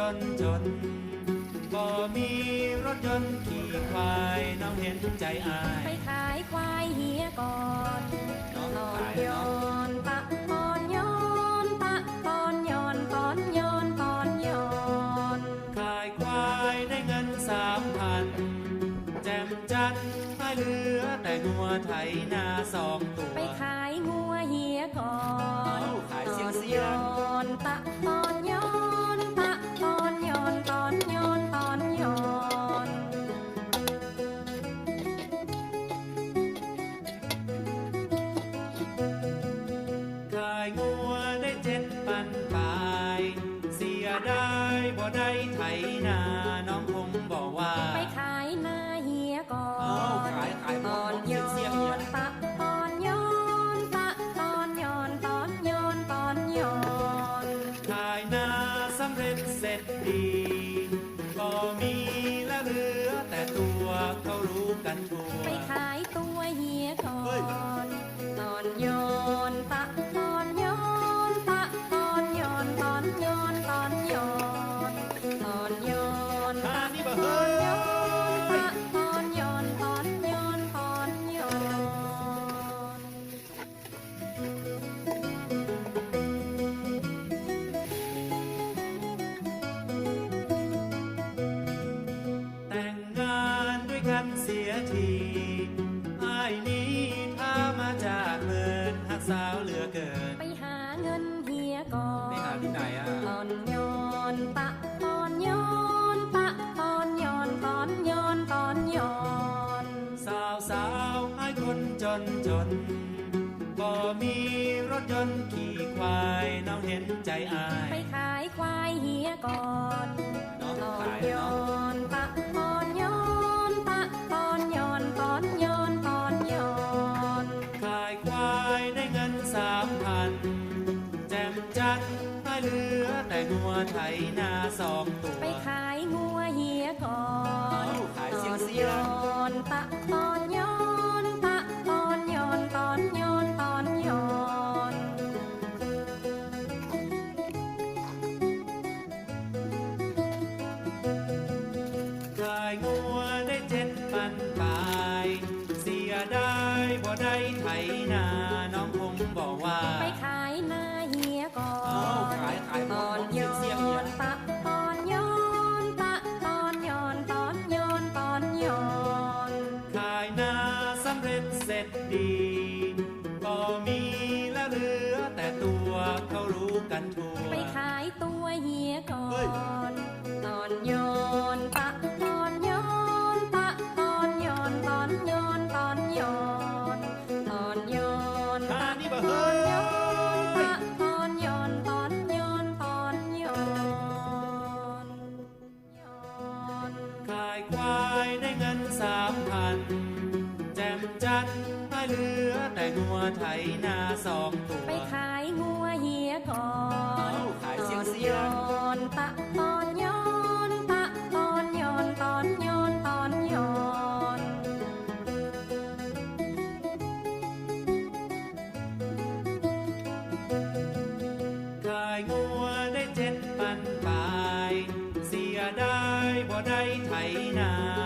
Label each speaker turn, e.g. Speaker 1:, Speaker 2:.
Speaker 1: จนก็มีรถยนต์ขี่ควายน้องเห็นใจอาย
Speaker 2: ไปขายควายเฮียก่อน
Speaker 1: น้อง
Speaker 2: ตอน
Speaker 1: ขาย
Speaker 2: ย้อ
Speaker 1: เนาะ
Speaker 2: นตะตอนย้อนตะตอนย้อนตอนย้อนตอนย้อน
Speaker 1: ขายควายได้เงิน3,000แจ่มจันทร์ให้เหลือแต่งัวไถนา2 ตัว
Speaker 2: ไปขายงัวเฮียก่อน
Speaker 1: ขาย
Speaker 2: ต
Speaker 1: เสี
Speaker 2: อย
Speaker 1: ง
Speaker 2: นย้อนตะตอนย้อนตะตอนย้อนตอนย้อนตอนย้อน
Speaker 1: ขายงัวได้7,000ปลายเสียได้บ่ได้ไถนาน้องคงบอกว่า
Speaker 2: ไปขายนาเฮียก่อนตอนย้อนตะตอนย้อนตะตอนย้อนตอนย้อนตอนย้อน
Speaker 1: ขายนาสำเร็จเสร็จดีก็มีและเหลือแต่ตัวเขารู้กันทั่ว
Speaker 2: ไปขายตัวเฮียก่อนตอนย้อนตะตอนย้อนตะตอนย้อนตอนย้อนตอนย้อนตอนย้อนตะตอนย้อนตะตอนย้อนตอนย้อนตอนย้อน
Speaker 1: แต่งงานด้วยกันเสียทีอ้ายนี้ถ้ามาจากเมินหักสาวเหลือเกิน
Speaker 2: ไปหาเงินเฮียก่อน
Speaker 1: ไปหาที่ไหนอ่ะ
Speaker 2: ตอนย้อนตะตอนย้อนตะตอนย้อนตอนย้อนตอนย้อน
Speaker 1: สาวให้คนจนก็มีรถยนต์ขี่ควายน้องเห็นใจอาย
Speaker 2: ไปขายควายเฮียก่อน
Speaker 1: น้อง
Speaker 2: ตอน
Speaker 1: ขาย
Speaker 2: ย้อ
Speaker 1: เนาะ
Speaker 2: นตะตอนย้อนตะตอนย้อนตอนย้อนตอนย้อน
Speaker 1: ขายควายได้เงิน3,000แจ่มจันทร์ให้เหลือแต่งัวไถนา2 ตัว
Speaker 2: ไปขายงัวเฮียก่อน
Speaker 1: ขาย
Speaker 2: ตอน
Speaker 1: เสีย
Speaker 2: ย้อนตะตอนย้อนตะตอนย้อนตอนย้อนตอนย้อน
Speaker 1: ขายงัวได้7,000ปลายเสียได้บ่ได้ไถนาน้องคงบอกว่า
Speaker 2: ไปขายนาเฮียก่อนตอนย้อนตะตอนย้อนตะตอนย้อนตอนย้อนตอนย้อน
Speaker 1: ขายนาสำเร็จเสร็จดีก็มีและเหลือแต่ตัวเขารู้กันทั่ว
Speaker 2: ไปขายตัวเฮียก่อนตอนย้อนตะตอนย้อนตะตอนย้อนตอนย้อนตอนย้อนตอนย้อนตะตอนย้อนตะตอนย้อนตอนย้อนตอนย้อน
Speaker 1: ขายควายได้เงิน3,000แจ่มจันทร์ให้เหลือแต่งัวไถนา2 ตัว
Speaker 2: ไปขายงัวเฮียก่อน
Speaker 1: ขาย
Speaker 2: ตอน
Speaker 1: เสีย
Speaker 2: ย้อนตะตอนย้อนตะตอนย้อนตอนย้อนตอนย้อน
Speaker 1: ขายงัวได้7,000ปลายเสียได้บ่ได้ไถนา